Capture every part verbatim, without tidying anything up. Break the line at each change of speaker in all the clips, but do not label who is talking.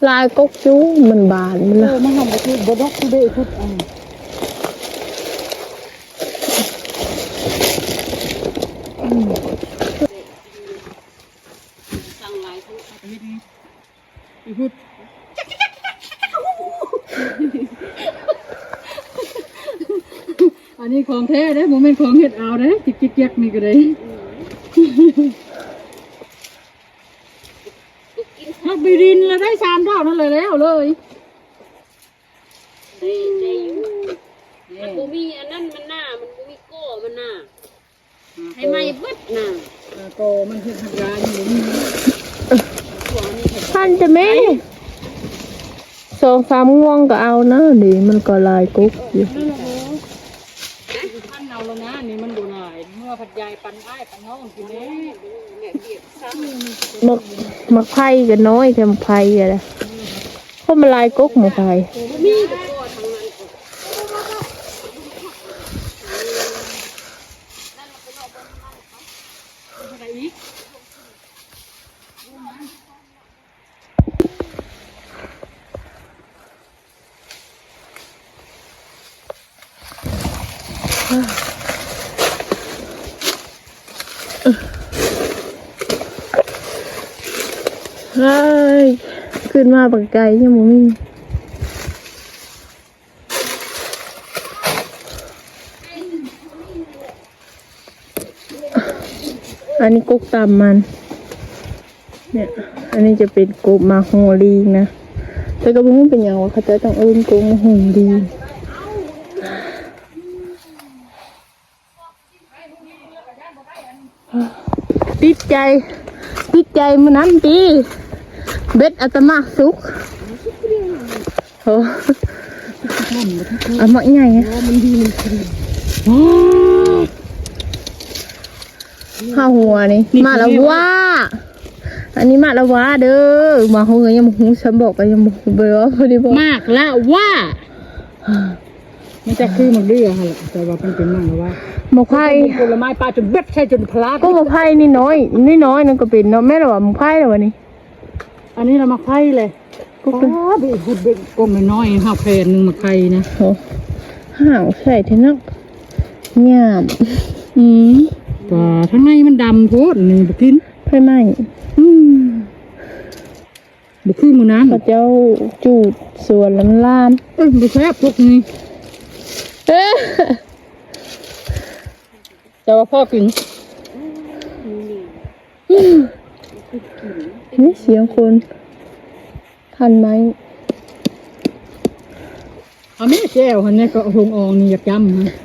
ลายกกจู้มันบานมัน
เอ
ละ
อมันทำไปคือบดอกคือเบคุดอ่ะสั่งหลายทุกอาทิตย์นี้อีพุดอันนี้ของแท้เด้โมเมนต์ของเห็ดเอาเด้จิกจิกยักนี่ก็ได้ฮักบีดินแล้วได้สามดอกนั่นเลยแล้วเลย
ได้ได้อยู่มันบ่มีอันนั้นมันหน้ามันบ่มีโก้มันหน้าให้ไหม้เบิดหน้า
โกมันคือทำงานอยู่นี่
พันจะแม่สองสามง่วงก็เอานะดิมันก็ลายกกอยู่
นั่นแหละท่านเอาแล้วนะนี่มันดูหน่อยเมื่อผัดยายปันอ้ายปันน้องกินเนี้
มักมักไผ่ก็น้อยแค่มักไผ่อะไรเพราะมันลายกกมักไผ่
มีแต่โก้ทางนั้น
อะไรอีก
เฮ้ยขึ้นมาปากไก่ยังบ่มีอันนี้กกตำมันเนี่ยอันนี้จะเป็นกบมาโฮลีนะแต่ก็ไม่รู้เป็นอย่างว่าเขาจะต้องเอิ้นกบมาโฮลีติดใจติดใจมันนั้นดีเบ็ดอัตมาสุกโอ้เอามาใหญ่ไงข้าวหัวนี่มาแล้วว่าอันนี้มาแล้วว่าเด้อมาหัวยังหูฉันบอกไปยังบอกเบอร์พอดีบอก
มากละว่ามันจะคือมันเรื่อฮะแต่ว่ามันเป็นมากแล้วว่า
หมกไผ่
ผลไม้ปลาจนเบ็ดใช่จนพลาด
ก็หมกไผ่นี่น้อยนี่น้อยนั่นก็เป็นเนาะแม่เราว่าหมกไผ่แล้ววะนี่
อันนี้เรามาไข่เลยก็เป็นเบ็ดเบ็ดกลมน้อยห้าแผ่นหนึ่งมาไข่นะ
โอ้ห่าวใส่เทนักหยาบอืม
ป่าทั้งในมันดำโพดนี่บุกิน
ไผ่ไหม
อืมบุคือมือน้ำ
พระเจ้าจูดสวนลำลาม
เอ้ยบุแซ่บพวกนี้
เอ๊ะ
แต่ว่าพ่อกิน
นี่เสียงคนทันไหม
เอาแม่แก้วคนนี้ก็หงอองนี่อยากจำนะ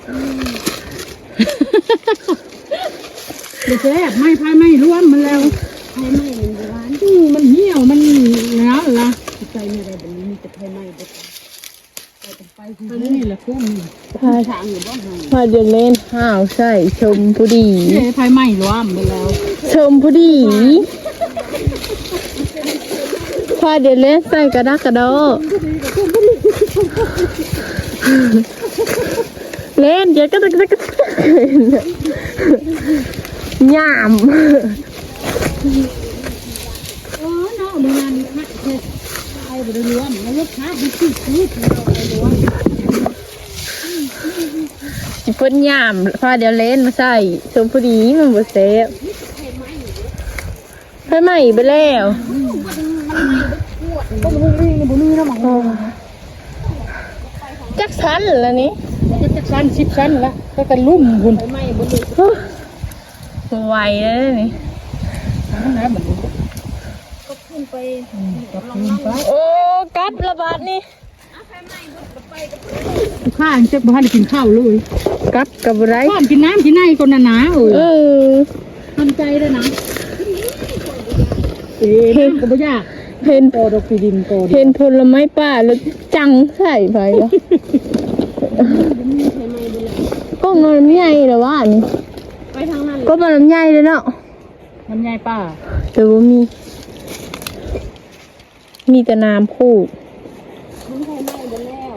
บุแซ่บไม่พายไม่ร่วมมันแล้วพายไม่มันร้านอืมมันเหี่ยวมันหนาวละใจไม่ได้แบบนี้มีแต่พายไม่เด็ดไปไปนี่แหละคุ้ม
พา
ทางอยู่บ้าน
พาเดินเล่นห่าวใส่ชมผู้ดี
เฮ้ยพายไม่ร่วมไปแล้ว
ชมผู้ดีพาเดินเล่นใส่กระดักกระดอเล่นเดี๋ยวก็จะก็จะหยาม
เออเนาะมืองานพักเทศไอ้บริรวมแล้วลูกค้าดีที่สุดเราไอ้รวม
สิเพิ่นหยามพาเดี๋ยวเล่นมาใส่ชมผู้ดีมันบ่เซฟไฟไหม้ไปแล้ว
ก็มันวิ่งในบุรีนะหมอ
จักชั้นแล้วนี่
จะจะชั้นสิบชั้นละก็กันลุ่มคุณ
ไม่บ่มี
ไวแล้วนี่
นั่นนะเหมือน
ก็ขึ้นไป
กับคุณไป
โอ้กัดระบาดนี่
ข้าจะบ้านกินข้าวเลย
กัดกับไร
ข้ากินน้ำกินในคนหนาเอ
เอ
อ
อ
ทำใจด้วยนะเอ๊ะก็ไม่ยาก
เห็น
โตดอกปีดินโต
เห็นผลไม้ป่าแล้วจังใส่ไปวะก็นอนใหญ่แต่ว่านี่
ไปทางนั้น
ก็มันใหญ่เลยเนาะ
มันใหญ่ป้า
แต่ว่ามี มีแต่น้ำพูด
มันไฟไหม้ไปแล้ว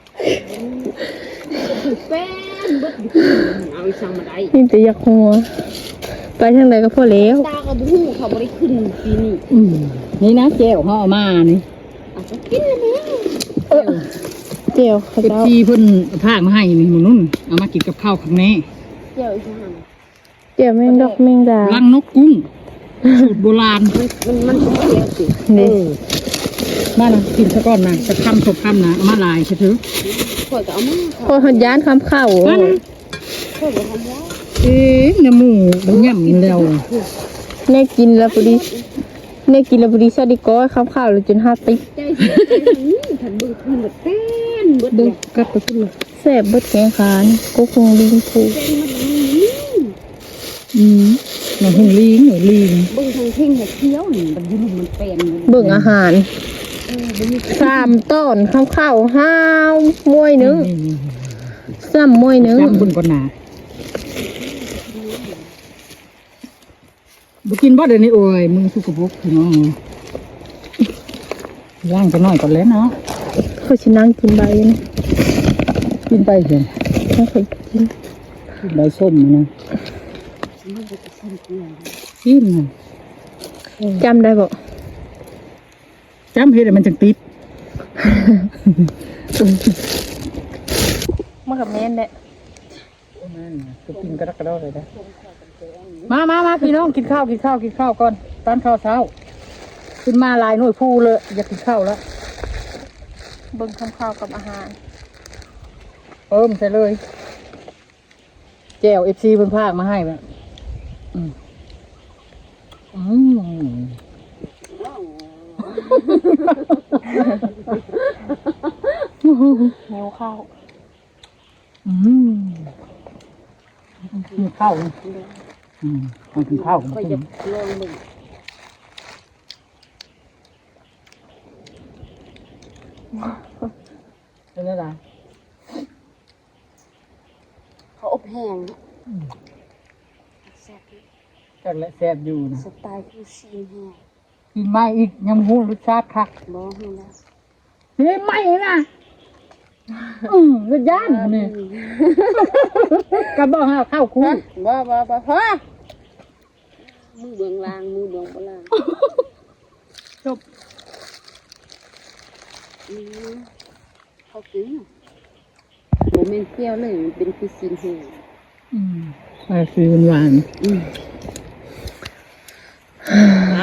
แป้นเบิดเอาอีสังมาได้
มีแต่อยากหัว ไปทางไหนก็พอแล้ว
ตาก็บ่ฮู้เขาบ่ได้ขึ้นปีนี้
อืมนี่นะแก้วห่อมานี่
กินเลยมั้ย
เออเจียวเขา
เอฟ
เจ้า
ซีเพิ่นพากมาให้นี่หมูนุ่นเอามากินกับข้าวข้างใน
เจียวอีกอย่าง
เจียวแมงดอกแมงดา
ลังนกกุ้งสูตรโบราณ
มันมันเจียวสิ
นี่
มานะกินซะก่อนนะจะคำสบคำนะเอามาลายใช่ไหม
ข่อยก็เอามา
พอหันยานคำเข้า
มานะ
ข่อยก็ทำแล้ว
เอ๊ะเนื้อหมูบางย่ำแล้ว
เนี่ยกินแล้วพอดีเนี่ยกินแล้วพอดีซาดิก้อยคำเข้าเลยจนห้าติ
ใจเสียใจนี่ฉันเบิดมันเบิดเต้นเบิด
ดู
เด็ก
กลับไปขึ้นเลย
แซ่บเบิดแกงขานก็คงลิงผู
เต้นมันนี่
อืมมันหงลิงหรือลิง
เบิ่งทางเพ่งแต่เคี้ยวนี่มันยืนมันเป็น
เบิ่งอาหาร
เออบ่มี
สามต้นคำเข้าห้าวมวยหนึงซ้ำมวยหนึง
จำบุญก่อนหนาบุกินบ่เดี๋ยวนี้โอ้ยมึงสุกบุกพี่น้องย่างจะน้อยก่อนแล้วเนาะ
เขาชินั่งกินใบนี่
กินไปเถอะ
เขาเคยกิน
กินใบส้มนะ
มันจะสิ้นเปลือง
กินนะ
จำได้บ่
จำเห็ดมันจังติด
มากับแม่นแหละ
ก็กินกระดักกระดอเลยนะมามามาพี่น้องกินข้าวกินข้าวกินข้าวก่อนตอนข้าวเช้าขึ้นมาลายหน่วยพูเลยอยากกินข้าวแล้ว
เบิ่งคำเข้ากับอาหาร
เอิ่มใส่เลยแจ่วเอฟซีเพิ่นพากมาให้แบบอืมอืม
หิวข้าว
อืมกินข้าวนะอืมมากินข้าวกัน
ข่อยจะลองเบิ่ง
เป็นอะไร
เขาอบแห้งแซ่บ
จังและแซ่บอยู่นะ
สไตล์คือซีนแห้ง
กินไม่อีกยังหูรสชาติคัก
บ่ฮู้แล้ว
เฮ้ยไม่นะอืมรสย่านนี่กระบอกห้าข้าวคู่
บ่บ่บ่ฮะมือเบื้องล่างมือเบื้องบ่ล่าง
จบ
อืมเขากินบ่แม่นเปรี้ยวเลยมันเป็นคือซีนแห้ง
อืมไปซื้อหวาน
อืมใช่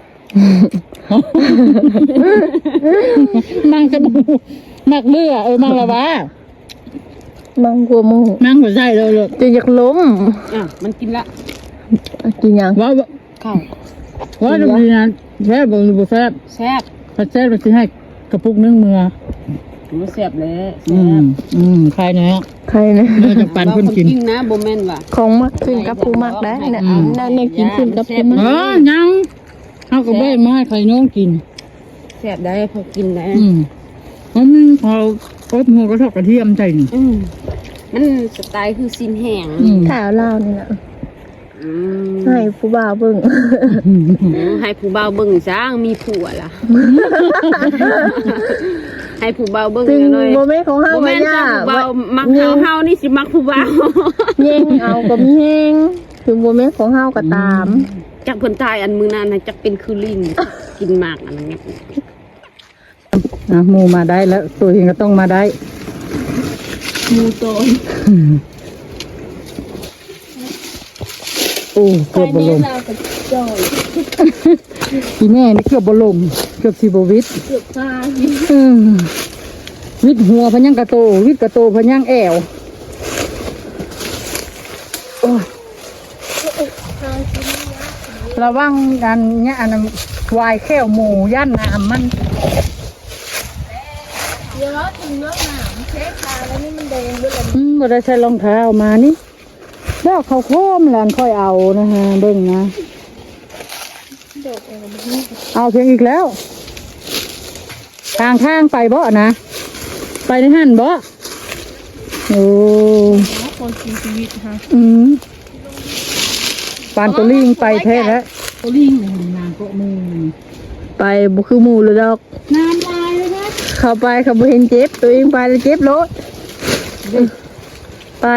นั่งจะบูมักเลือเออมังละวะ
มังกัวมู
นั่งหัวใจเลยเลย
จะอยากล้ม
อ่ะมันกินละ
กินยัง
ว่า
ข้าว
ว่าจะดีนะแซ่บหรือบ่แซ่บ
แซ่บ
ถ้าแซ่บเราจะให้กระปุกนึ่งมือ
มันแซ่บเลยแซ่
อืม
บ
อืมใครนะ
ใครนะ
เมื่อจะปันคนกิน
จริงนะบ่แม่นว่ะ
ของมักขึ้นกับผู้มักได้นะนั่นเนี่ยกินขึ้นกับผู้มัก
เออยังเอากระเบ้มาให้ใครน้องกิน
แซ่บได้พอกินได้
อืมเพราะมันพออบหัวกระทอกกระเทียมใจนี่
อืมมันสไตล์คือซีนแห้ง
อืม
ข่าวเล่านี่นะ
อืม
ให้ผู้บ่าวเบิ่ง
ให้ผู้บ่าวเบิ่งจ้างมีผัวล่ะ ให้ผู้บ่าวเบิ่ง
ซึ่ง
เลย
โมเมนต์ของเฮา
บ่
ไว้
แม่น
ย่า
จ้าผู้บ่าวมักเฮาเฮานี่สิมักผู้บ่าว
เย่งเอาก็มีแห้งถึงโมเมนต์ของเฮาก็ตาม
จักเพิ่นตายอันมื้อนั้นน่ะจักเป็นคือลิงกินหมากอันนั้นเนี่ย
นะหมูมาได้แล้วตัวเองก็ต้องมาได้
หมูโตน
โอ้เกือบบลม
เราก็จอย
อีแม่นี่เกือบบลมเกือบสิบวิต
เกือบตาย
อืมวิดหัวพะยังกระโตวิดกระโตพะยังแอวโอ้ยระวังอันเนี้ยอันนั้นวายแค่วหมูย่านน้ำมัน
เดี๋ยวถึงเรื่องน้ำเช็คตาแล้วนี่มันแดงด้วยเลย
อืมบ่ได้ใส่รองเท้ามานี่ดอกเขาวโค้มแหลนค่อยเอานะฮะเบิ่งนะ
ดอกเองมันนี่
เอาเพียงอีกแล้ว ทางทางไปบ่นะ ไปในหันบ่โอ้
คนชีวิตฮะ
อืมปานตัวลิงไปแท้แล้วตัวลิงนางก็มือ
ไปบุคือหมูเลยดอก
น้ำลายเลยนะ
เข้าไปเขาบ่เห็นเจ็บตัวเองไปแล้วเจ็บรถไป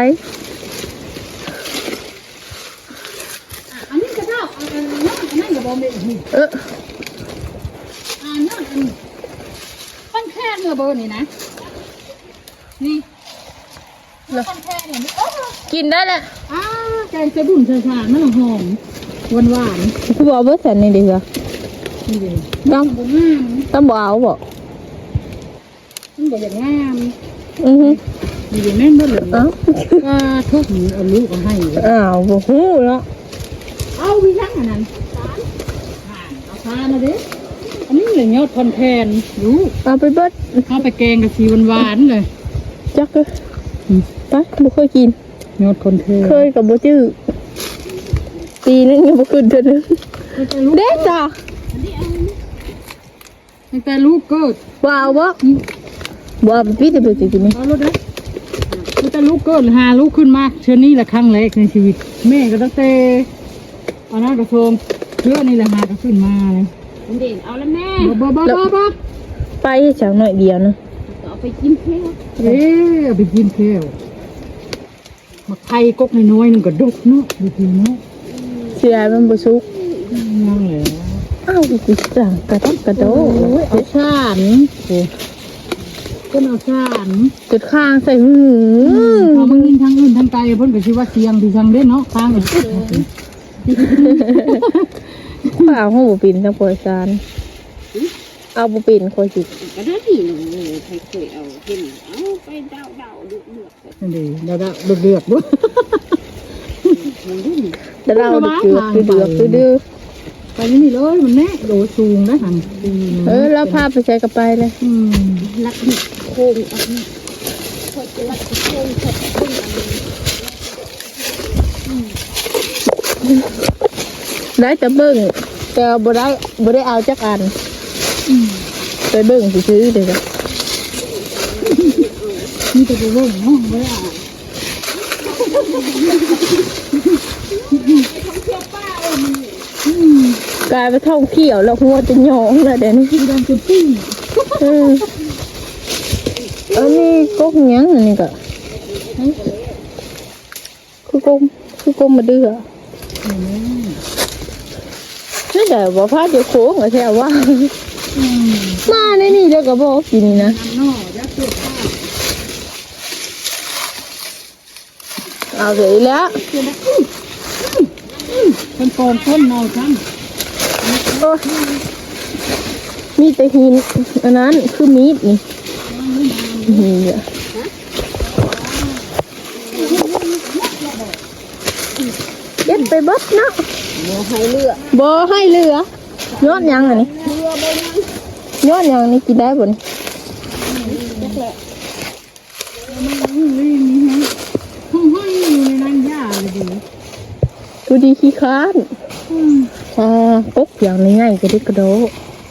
อันนี้กระเจ้าอันนั้นอันนั้นอย่าบอกเด็กนี่
เออ
อันนั้นอันเนื้อเบอร์นี่นะนี่เนื้อคนแค่เนี่ยโอ้
กินได้แหละ
อ้าแกงจะบุ่นชาชามันหอมหวานหวาน
คือบอกเบอร์สันนี่ดีกว่า
นี่เลย
ต้อง
มันงาม
ต้องบอกเอาบอก
มันบอกอย่างงาม
อือฮึ
นี่เลยแม่นบ่เหลือ
เอ้า
ก็ทุกเอาลูกเอาให้
อ้าวบอกหูแล้ว
เอาวิชังอันนั้นเอาทานมาดิอันนี้เลยยอดคอนแทนรู้
เอาไปเบิด
เอาไปแกงกับสีหวานๆเลย
จักเลยไปบ่เคยกิน
ยอดคอนแทน
เคยกับบ่จื้อปีนึงยังบ่ขึ้นเท่านึงเด็ดจ้ะ
ตั้งแต่ลูกเกิด
ว้าวบ่บ่เอาไปพี่จะไปกินนี่
เอาลูกนะตั้งแต่ลูกเกิดหาลูกขึ้นมาเชื่อนี่แหละครั้งแรกในชีวิตแม่ก็ตั้งแต่เอาหน้ากระโซมเชื่อนี่แหละหาก็ขึ้นมาเลย
เด่นเอาแล้วแม่
บ่บ่บ่บ่บ่
ไปจังหน่อยเดียวนะ
เอาไปกินเค้ก
เอ๊ะเอาไปกินเที่ยวมาไทยกกน้อยๆนึงก็ดกเนาะดูดีเนาะ
เสียมันบ่สุก
นั่งเลย
อ้าวกูสั่งกระทับกระโด
โอ้ย
ด
เอาชานโอ้ก็เอาชาน
จุดข้างใส่หือ
พอมึงยินทั้งอื่นทั้งไกลเพิ่นก็ชื่อว่าเสียงที่ช่างเด้เนาะข้างเลย
ข้าวห้องบ่ปินทั้งปล่อยซานเอาบ่ปินคอยสิ
ก็ได้ดีหนูใครเคยเอาเห็นเอาไปเดาเดาดูเลือก
นั่นดีเดาๆเดือดๆด้วย
แต่เราเดือดเดือดเดือดดื้อ
ไปนี่เลยมันแน่โดดสูงนะหัน
เออแล้วพาไปใช้กระไปเลย
อืม
ลักดิโค้งอันนี้คอยจะลักโค้งคอยจะบึ้งอันนี้
ได้แต่เบิ่งแต่บ่ได้บ่ได้เอาจักอันไปเบิ่งซื้อๆเด้อ
นี่จะไปเบิ่งเนาะบ่ได้อ่าน
กลายไปท่องเที่ยวแล้วหัวจะหยองแล้วเดี๋ยวนี้
ที่ดังจะปิ้ง
อืมอันนี้ก๊กหยังอันนี้ก็คือกงคือกงมาเดือนี่แต่ว่าพาเดี๋ยวโค้งเหรอแท้ว่า
อืม
มาในนี่เดี๋ยวก็บอกกินนี่นะ
น้ำนอยักษ์เกิดข้าว
เอาเสร็จแล้ว
คนกองต้นเนาทั้ง
โอ้มีแต่หินอันนั้นคือมีดนี่หินเนี่ยเด็ดไปเบิดเนาะ
บ่ให้เลือก
บ่ให้เหลือ ยอดยังอันนี้ยอดยังนี่กินได้บ่นี่
นี่นี่ฮะห้องห้องอยู่ในนั้นยาเลยดิ
ดูดีขี้ค้าน
อืม
อ่าปุ๊บอย่างนี้ง่ายก็ได้กระโดด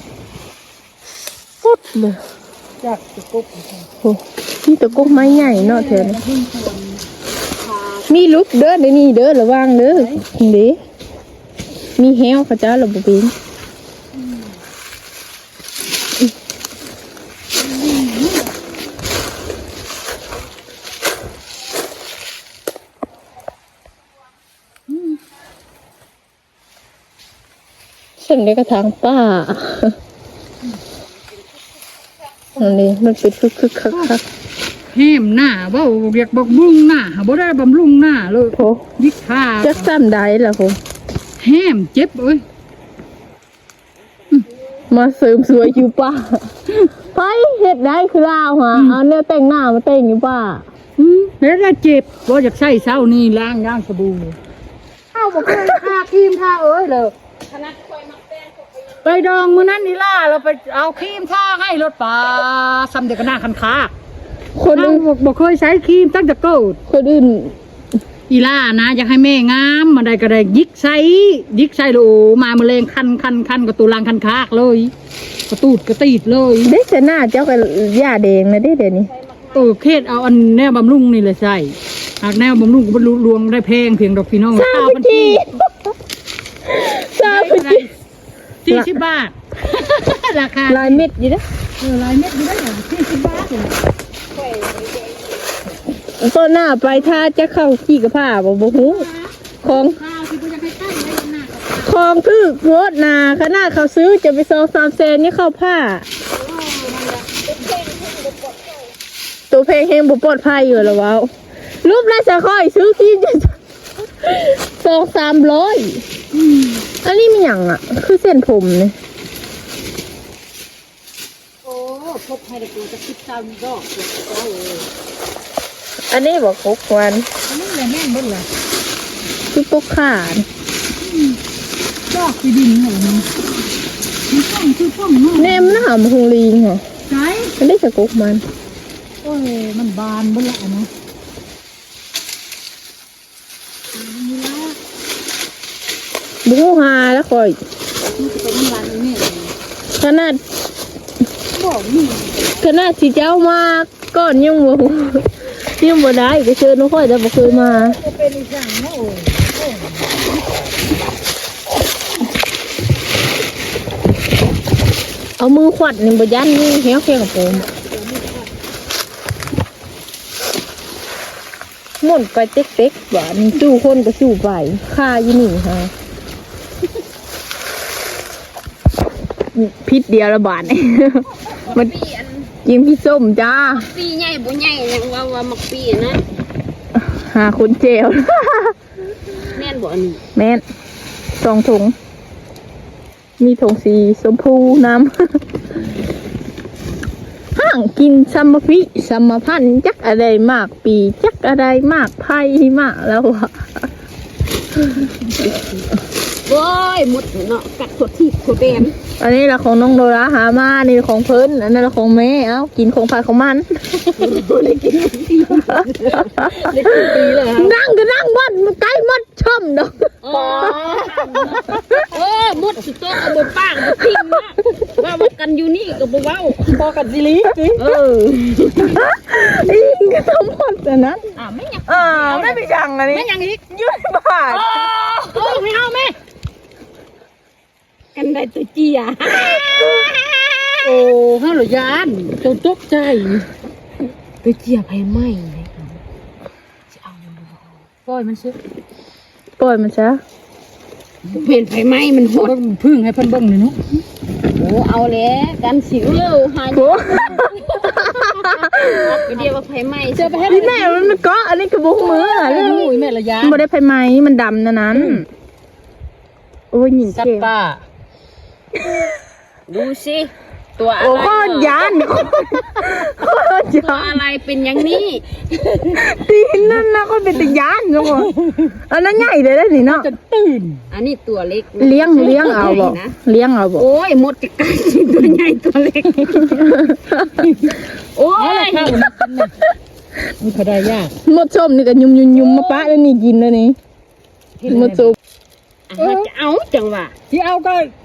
ปุ๊บเลย
จากตะกุบ
โอ้นี่ตะกุกไม้ใหญ่เนาะเธอนี่มีลุกเด้อเดี๋ยวนี้เด้อระวังเด้อเด้มีแฮวเขาเจ้าระบบเป็นฉันได้กระถางป้าอันนี้มันเป็นคึกคึกคักคัก
แห้มหน้าเว่าเรียกบอกบุ้งหน้าบ่ได้บำรุงหน้าเลย
โอ้
ยิกขา
จะซ้ำได้ล่ะผม
แห้มเจ็บเอ้ย
มาเสริมสวยอยู่ป้าไปเห็ดได้คือลาวฮะเอาเนี่ยแต่งหน้ามาแต่งอยู่ป้า
อืมแล้วถ้าเจ็บบ่อยากใช้เช้านี่ล้างย่างสบู่เอ้าบ่เคยทาครีมทาเอ้ยเลย
ขนาดคอยมักแป้งก็ไปยัง
ไปดองมื้อนั้นนี่ล่ะเราไปเอาครีมทาให้รถป่าซ้ำเด็กก็หน้าคันคา
คน
เรา
อื่น
บ่เคยใช้ครีมตั้งแต่เกิด
คนอื่น
อีล่านะอยากให้แม่งามมาได้ก็ได้ยิกใส่ยิกใส่โลมาแมลงคันคันคันกับตัวรังคันคากเลยกระตูดกระตีดเลย
เด็กแต่หน้าเจ้ากับย่าแดงนะเด็กเดี๋ยวนี้
เออเคสเอาอันแนวบำรุงนี่เลยใส่หากแนวบำรุงก็บรรลุรวงได้แพงเพียงดอกพี่น้อง
ซาบจีซาบจี
สี่สิบบาท ราคา
ลายเม็ดอยู่นะ
เออลายเม็ดอยู่ได้เหรอสี่สิบบาทเลย
ต้นหน้าไปถ้าจะเข้าขี้กระผ้าบ่บ่ฮู้ของ
ข้าวที่กูจะให้ใกล้ไว้หน้า
ของคือโคตรนาขนาดเขาซื้อจะไปซองสามเซนนี่เข้าผ้า
เป็นเพลง
ตัวเพลงเฮงบุปลอดภัยอยู่แล้วว้าวรูปน่าจะค่อยซื้อกินสองสามร้อยอันนี้มีอย่างอ่ะ คือเส้นผมเนี่ย
โอ้พบให้เด็กมันจะคิดตามดอกเจ้าเอ้ย
อันนี้บอกหกวัน
อันนี้แหละแม่นเบิ่งล่ะ
คือปกขาด
ดอกที่ดินเหรอมันมันต้องคือต้องเนาะ
เนมหน้าหำหงลิงเหรอ
ใช่
อันนี้จะกกมัน
โอ้ยมันบานเบิ่งละนะ
บุ้งหาแล้วคอย
มันจะเป็นวันนี้
ขนาด
บอกนี่
ขนาดที่เจ้ามาก่อนยังบ่ยังบ่ได้ก็เชิญน้องค่อยแต่บ่เคยมา
จะเป็นอีกอย่างเนาะโอ้ย
เอามือขวัดนี่บ่ยันนี่เหี้ยวแค่กับผมหมุนไปเต๊กๆว่านี่สู้คนก็สู้ไปค่าอยู่นี่ฮะพิษเดียวละบาทนี่ มัน
ปีอัน
กินพี่ส้มจ้า
ปีใหญ่บ่ใหญ่ยังว่าว่ามักปีนะ
หาคนเจล
แม่นบ่อันนี้
แม่นสองถุง มีถุงสีชมพูน้ำ ห้างกินซัมมะพิซัมมะพันธุ์จักอะไรมากปีจักอะไรมากไพ่มากแล้วอะ
โอ้ยหมดเนาะกัดถั่วที่ถั่วแดง
อันนี้ละของน้องโดราหามานี่ของเพิ่นอันนั้นละของแม่เอ้ากินของพายของมัน
ได้กินปีได้กินปีเลยฮะ
นั่งก็นั่งวัดมันใกล้มัดช่อมดอก
อ๋อเออหมดสุดโต๊ะกับบ่ป้างบ่ทิ้งนะว่าว่ากันอยู่นี่ก็บ่เว้า
พอกันสิลีสิ
เออ
อีกก็ต้องหมดแต่นั้น
อ่าไม่อยาก
อ่าไม่ไปจังอันนี้
ไม่ยังอีก
ยืดบาท
เออไม่เอาแม่กันได้ตัวเจีย
โอ้ข้าวหลยานจนตกใจ
ตัวเจียไผไหม้เลยจะเอามันบ่
ปล่อยมันซิ
ปล่อยมันซะ
เห็นไผไหม้มันโหด
เบิ่งพึ่งให้เพิ่นเบิ่งหน่อยเนาะ
โอ้เอาแล้วกันสิวเร็วหา
โอ้
ไปเดียวว่าไผไหม้
เจอไปให้
พี่แม่มันเกาะอันนี้กระบุกมืออ่ะ
โอ้ยแม่ละยา
มันบ่ได้ไฟไหมมันดำนะนั้น โอ้ยหญิง
สัต
เก่ง
ว์ป่า
ดูสิตัวอะ
โอ้
ไร
ข้อยานข้อย
ตัวย
าน
อะไรเป็นอย่างนี้
ตีนนั่นนะก็เป็นตะยานจังวะอันนั้นใหญ่เลยได้นี่เนาะ
จะตื่น
อันนี้ตัวเล็ก
เลี้ยงเลี้ยงเอาบ่
นะ
เลี้ยงเอาบ่
โอ้ยหมดจะกัดตัวใหญ่ตัวเล็กโอ้
เอาละ
ย
ข้าวมันกินน่ะมันพอได้ยาก
หมดส้มนี่ก็ยุ่มยุ่มยุ่มมาปะแล้วนี่กินแล้วนี่หมดส้ม
อ่ะจะเอาจังหวะ
ที่เอาก็